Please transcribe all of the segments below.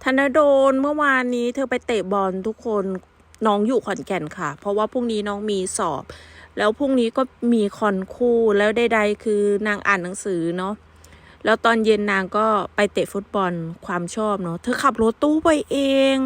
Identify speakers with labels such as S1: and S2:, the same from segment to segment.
S1: ธนดลเมื่อวานนี้เธอไปเตะบอลทุกคนน้องอยู่ขอนแก่นค่ะเพราะว่าพรุ่งนี้น้องมีสอบแล้วพรุ่งนี้ก็มีคอนคู่แล้วใดๆคือนางอ่านหนังสือเนาะแล้วตอนเย็นนางก็ไปเตะฟุตบอลความชอบเนาะเธอขับรถตู้ไปเอง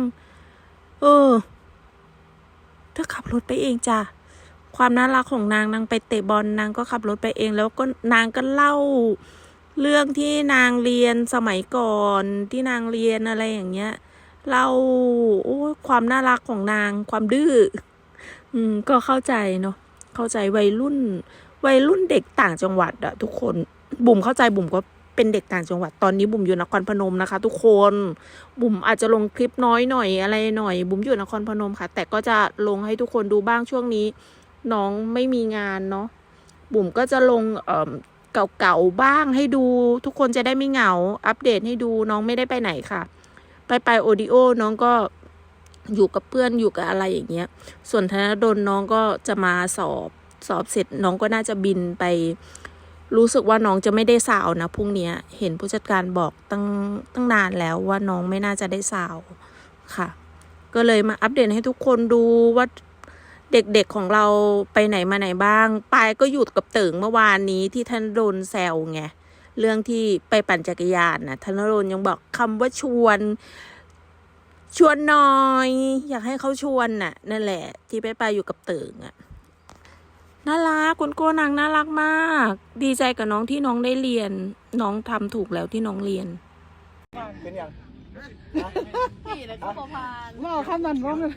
S1: เธอขับรถไปเองจ้ะความน่ารักของนางไปเตะบอลนางก็ขับรถไปเองแล้วก็นางก็เล่าเรื่องที่นางเรียนสมัยก่อนที่นางเรียนอะไรอย่างเงี้ยเล่าความน่ารักของนางความดื้อก็เข้าใจเนาะเข้าใจวัยรุ่นเด็กต่างจังหวัดอะทุกคนบุ๋มเข้าใจบุ๋มก็เป็นเด็กต่างจังหวัดตอนนี้บุ๋มอยู่นครพนมนะคะทุกคนบุ๋มอาจจะลงคลิปน้อยหน่อยอะไรหน่อยบุ๋มอยู่นครพนมค่ะแต่ก็จะลงให้ทุกคนดูบ้างช่วงนี้น้องไม่มีงานเนาะบุ๋มก็จะลงเก่าๆบ้างให้ดูทุกคนจะได้ไม่เหงาอัปเดตให้ดูน้องไม่ได้ไปไหนค่ะไปโอดิโอน้องก็อยู่กับเพื่อนอยู่กับอะไรอย่างเงี้ยส่วนธนดลน้องก็จะมาสอบเสร็จน้องก็น่าจะบินไปรู้สึกว่าน้องจะไม่ได้สาวนะพรุ่งนี้เห็นผู้จัดการบอกตั้งนานแล้วว่าน้องไม่น่าจะได้สาวค่ะก็เลยมาอัปเดตให้ทุกคนดูว่าเด็กๆของเราไปไหนมาไหนบ้างปายก็อยู่กับเติ่งเมื่อวานนี้ที่ธนดลแซวไงเรื่องที่ไปปั่นจักรยานนะธนดลยังบอกคำว่าชวนหน่อยอยากให้เขาชวนน่ะนั่นแหละที่ไปอยู่กับเติ่งอ่ะน่ารักคุณโก้นางน่ารักมากดีใจกับน้องที่น้องได้เรียนน้องทำถูกแล้วที่น้องเรียน
S2: เป็นอย่าง
S3: ขี่แล้วก็พาน
S2: ว่าข้ามนันร้องเลย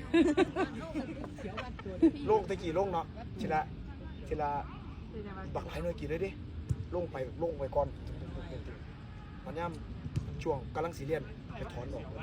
S2: ลงตะกี้ลงเนาะทีละบักหลายหน่วยกี่เลยดิลงไปก่อนมันย่ำช่วงกำลังสีเรียนไปถอนออก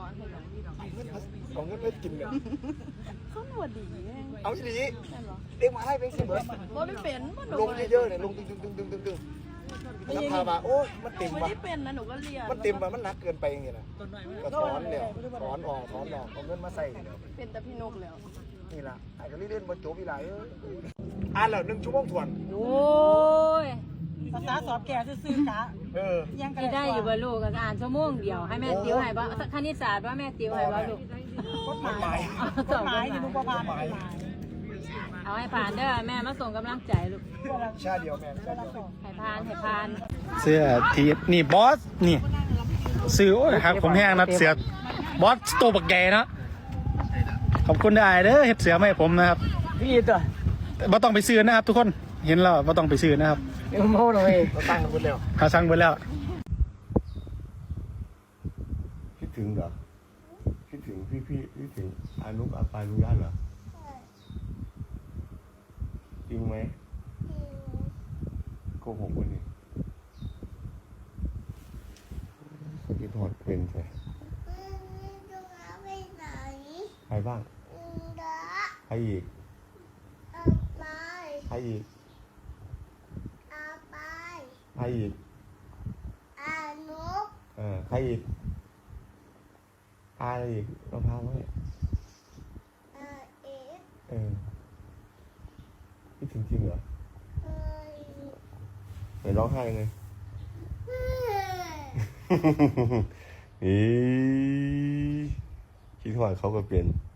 S2: เอาเงินไปกินเนี่ย
S3: เขาหนวดดี
S2: เอาทีนี้เด็กมาให้เป็นสิเบิร์ด
S3: บ่ได้เป็น
S2: ลงเยอะๆเนี่ยลงตึงแล้วพามาโอ้มันเต็มว่ะ
S3: ไม่ได้เป็นนะหนูก็เรียน
S2: มันเต็มว่ะมันหนักเกินไปอย่างเงี้ยนะก็ถอนเนี่ยถอนออกเอาเงินมาใส่
S3: เป็นแต่พี่นกแล้ว
S2: นี่ล่ะไอ้ก็เล่นบนโจ๊กอีหลายอ่านแล้ว1 ชั่วโมงทวน
S3: โอ้ย
S4: ภาษาสอบแก่ซื่อๆกะ
S3: ยังกันได้อยู่บ่ลูกกันอ่านชั่วโมงเดียวให้แม่ติวให้บ่คณิตศาสตร์ว่าแม่ติวให้บ่ลูก
S4: กฎหมายอยู่บ่ผ่าน
S3: เอาให้ผ่านเด้อแม่มาส่งกำลังใจลูก
S2: ชาเดียวแม่
S3: ให้ผ่าน
S5: เสื้อทีนี่บอสนี่ซื้อโอ้ยครับผมแห้งนัดเสือบอสตัวบักแกเนาะขอบคุณได้เด้อเฮ็ดเสือมาให้ผมนะครับ
S4: พี่ตัว
S5: บ่ต้องไปซื้อนะครับทุกคนเห็นแล้วบ่ต้องไปซื้อนะครับ
S4: โม่เลย
S2: เราตั้งกันหมดแล้ว
S5: หาสั่งไปแล้ว
S6: คิดถึงเหรอคิดถึงพี่คิดถึงอานุอาปานุญาตเหรอจริงไหมโกหกวันนี้คิดถอดเป็นใช่ใครบ้างใครอีกใครอีกใครอีกใครอีกอะไรอีกเราพาไว้คิดถึงจริงเหรอไหนร้องไห้ไงคิดว่าเขาก็เปลี่ยน